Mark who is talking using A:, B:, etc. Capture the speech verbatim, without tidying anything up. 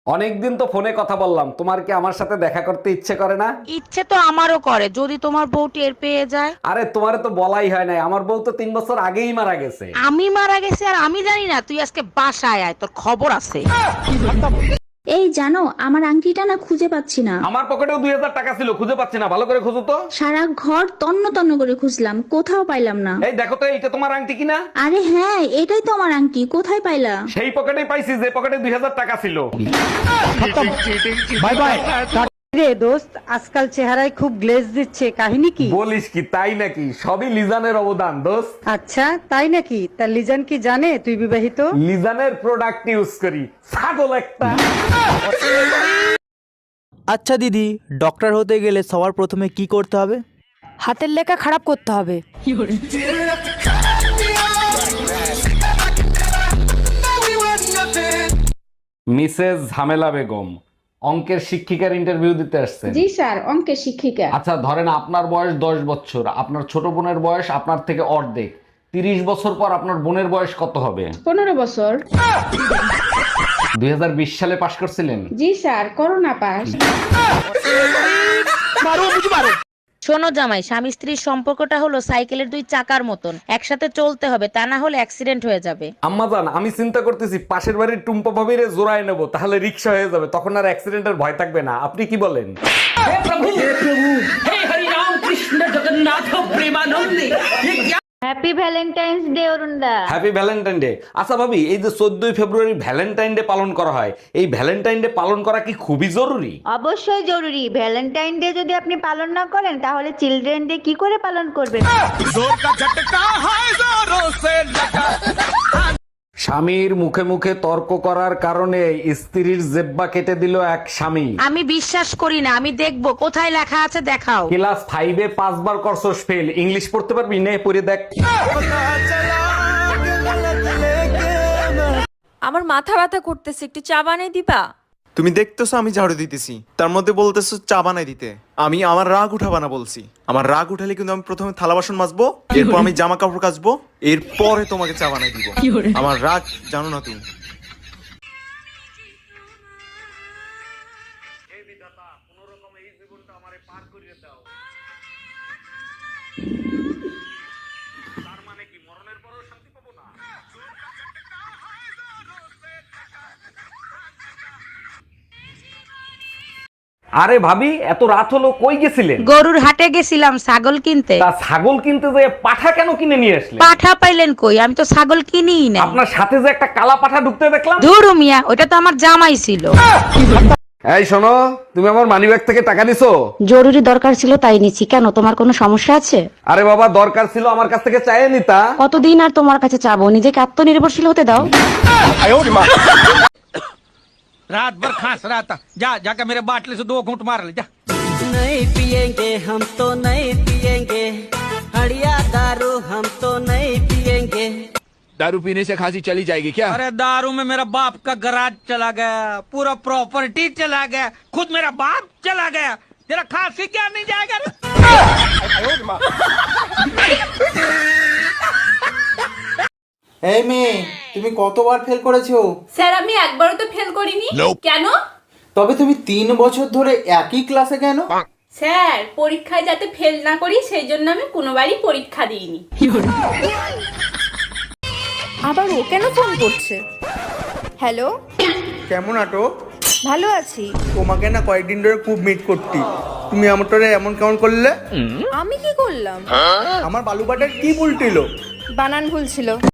A: অনেকদিন তো ফোনে কথা বললাম, তোমার কি আমার সাথে দেখা করতে ইচ্ছে করে না?
B: ইচ্ছে তো আমারও করে, যদি তোমার বউ টের পেয়ে যায়।
A: আরে তোমারে তো বলাই হয় নাই, আমার বউ তো তিন বছর আগেই মারা গেছে।
B: আমি মারা গেছি আর আমি জানি না? তুই আজকে বাসায় আয়, তোর খবর আছে।
C: এই জানো, আমার আংটিটা না খুঁজে পাচ্ছি না।
A: আমার পকেটেও দুই হাজার টাকা ছিল, খুঁজে পাচ্ছি না, ভালো করে খুঁজো তো।
C: সারা ঘর তন্ন তন্ন করে খুঁজলাম, কোথাও পাইলাম না।
A: এই দেখো তো, এইটা তোমার আংটি কিনা?
C: আরে হ্যাঁ, এটাই তো আমার আংটি, কোথায় পাইলা?
A: সেই পকেটেই পাইছি যে পকেটে দুই হাজার টাকা ছিল।
D: Bye bye. রে দোস্ত, আজকাল চেহারায় খুব গ্লেজ দিচ্ছে, কাহিনী কি?
A: বলিস কি, তাই নাকি? সবই লিজানের অবদান দোস্ত।
D: আচ্ছা তাই নাকি? তা লিজান কি জানে তুই বিবাহিত?
A: লিজানের প্রোডাক্ট ইউজ করি, ছাগল একটা।
E: আচ্ছা দিদি, ডক্টর হতে গেলে সবার প্রথমে কি করতে হবে?
F: হাতের লেখা খারাপ করতে হবে।
A: মিসেস ঝামেলা বেগম, অঙ্কের শিক্ষিকার ইন্টারভিউ দিতে আসছেন।
G: জি স্যার, অঙ্কের শিক্ষিকা।
A: আচ্ছা ধরেন আপনার বয়স দশ বছর, আপনার ছোট বোনের বয়স আপনার থেকে অর্ধেক। তিরিশ বছর পর আপনার বোনের বয়স কত হবে?
G: পনেরো বছর।
A: দুই হাজার বিশ সালে পাশ করছিলেন?
G: জি স্যার, করোনা পাস।
B: শোনো জামাই, স্বামী স্ত্রীর সম্পর্কটা হলো সাইকেলের দুই চাকার মতন, একসাথে চলতে হবে, তা না হলে অ্যাক্সিডেন্ট হয়ে যাবে।
A: আম্মাজান, আমি চিন্তা করতেছি পাশের বাড়ির টুম্পা ভাবিরে জোড়ায় নেবো, তাহলে রিক্সা হয়ে যাবে, তখন আর অ্যাক্সিডেন্টের ভয় থাকবে না। আপনি কি বলেন?
H: হ্যাপি ভ্যালেন্টাইন্স ডে অরুণদা।
A: Happy Valentine day. আচ্ছা ভাবি, এই যে চোদ্দই ফেব্রুয়ারি ভ্যালেন্টাইন ডে পালন করা হয়, এই ভ্যালেন্টাইন ডে পালন করা কি খুবই জরুরি?
H: অবশ্যই জরুরি। ভ্যালেন্টাইন ডে যদি আপনি পালন না করেন তাহলে চিলড্রেন ডে কি করে পালন করবেন?
A: স্বামীর মুখে মুখে তর্ক করার কারণে স্ত্রীর জেব্বা কেটে দিল এক স্বামী।
B: আমি বিশ্বাস করি না, আমি দেখবো কোথায় লেখা আছে, দেখাও।
A: ক্লাস ফাইভে পাঁচবার করছস ফেল, ইংলিশ পড়তে পারবি? নে পড়ে দেখ।
F: আমার মাথা ব্যথা করতেছে, একটু চা বানিয়ে দিবা?
I: তুমি দেখতেছো আমি ঝাড়ু দিতেছি, তার মধ্যে বলতেছো চা বানাই দিতে। আমি আমার রাগ উঠাবা না বলছি। আমার রাগ উঠালে কিন্তু আমি প্রথমে থালা বাসন মাজবো, এরপর আমি জামা কাপড় কাচবো, এরপরে তোমাকে চা বানাই দিব। আমার রাগ জানো না তুমি।
A: আরে ভাবি, এত রাত হলো, কই গেছিলেন?
B: গরুর হাটে গেছিলাম ছাগল কিনতে।
A: তা ছাগল কিনতে যে পাঠা কেন কিনে নিয়ে আসলেন?
B: পাঠা পাইলেন কই? আমি তো ছাগল কিনিই না।
A: আপনার সাথে যে একটা কালা পাঠা ঢুকতে দেখলাম।
B: ধুরু মিয়া, ওটা তো আমার জামাই ছিল।
A: এই শোনো, তুমি আমার মানিব্যাগ থেকে টাকা নিছো?
F: জরুরি দরকার ছিল তাই নিচ্ছি। কেন, তোমার কোনো সমস্যা আছে?
A: আরে বাবা, দরকার ছিল আমার কাছ থেকে চাইয়ে নিতা।
F: কতদিন আর তোমার কাছে চাবো? নিজেকে আত্মনির্ভরশীল হতে দাও।
D: রাত ভর খাস रहा था, जा जाकर मेरे बाटले से दो घूंट मार ले जा।
J: नहीं पिएंगे हम तो नहीं पिएंगे, हड़िया दारू हम तो नहीं पिएंगे।
K: दारू पीने से खांसी चली जाएगी क्या?
D: अरे दारू में मेरा बाप का गराज चला गया, पूरा प्रॉपर्टी चला गया, खुद मेरा बाप चला गया, तेरा खांसी क्या नहीं जाएगा?
E: এই মেয়ে, তুমি কতবার ফেল করেছো?
G: স্যার, আমি একবারও তো ফেল করিনি। কেন?
E: তবে তুমি তিন বছর ধরে একই ক্লাসে কেন?
G: স্যার, পরীক্ষায় যাতে ফেল না করি সেই জন্য আমি কোনোবারই পরীক্ষা দিইনি।
F: আবার ও কেন ফোন করছে? হ্যালো,
E: কেমন আটো?
F: ভালো আছি।
E: তোমাকে না কয়েকদিন ধরে খুব মিট করতি, তুমি আমারটারে এমন কেমন করলে?
F: আমি কি করলাম?
E: আমার বালুবাটার কি উল্টিলো?
F: বানান ভুল ছিল।